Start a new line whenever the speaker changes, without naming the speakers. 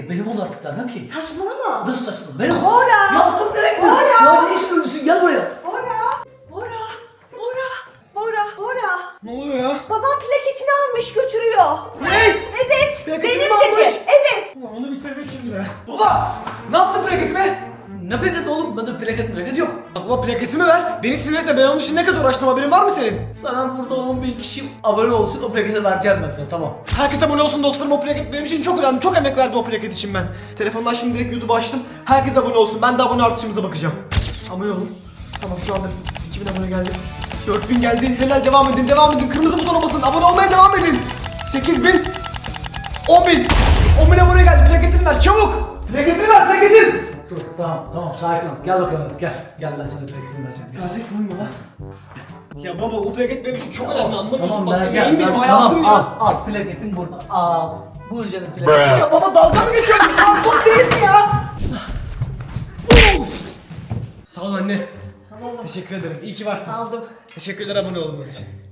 Benim olur artık vermem ki.
Saçmalama.
Nasıl saçma? Benim.
Bora.
Yaptım nereye gidiyorsun?
Bora.
Ya ne istiyorsun? Gel buraya.
Bora.
Ne oluyor ya?
Babam plaketini almış götürüyor.
Ne?
Evet.
Plaketini
benim
mi almış?
dedi. Evet.
Ulan onu bitirdim şimdi be.
Baba! Ne yaptın plaketime? Ne plaket oğlum? Bende plaket yok.
Baba plaketimi ver. Beni sinir etme. Ben onun için ne kadar uğraştım, haberin var mı senin?
Sana burada 10.000 kişi abone olsun, o plaketi vereceğim ben sana, tamam.
Herkes abone olsun dostlarım, o plaket benim için çok önemli. Çok emek verdim o plaket için ben. Telefondan şimdi direkt YouTube'u açtım. Herkes abone olsun. Ben de abone artışımıza bakacağım. Abone olun. Tamam, şu anda 2000 abone geldi. 4000 geldi. Helal, devam edin, devam edin. Kırmızı butona basın. Abone olmaya devam edin. 8000. 10.000. 10.000 abone geldi. Plaketimi ver çabuk. Plaketimi ver, plaketim.
Dur, tamam, sakin ol. Gel bakalım, gel. Gel, ben sana plaketini vereceğim. Gel.
Vereceksin mi baba? Ya baba, o plaket benim için çok önemli, anlamıyorsun.
Tamam,
Bak,
vereceğim.
benim
Tamam,
hayatım ya.
al, plaketin burada. Al. Buyur canım plaket.
Ya baba, dalga mı geçiyorsun? Pardon değil mi ya? Sağ ol anne.
Tamam.
Teşekkür ederim. İyi ki varsın.
Aldım.
Teşekkürler abone olduğunuz için.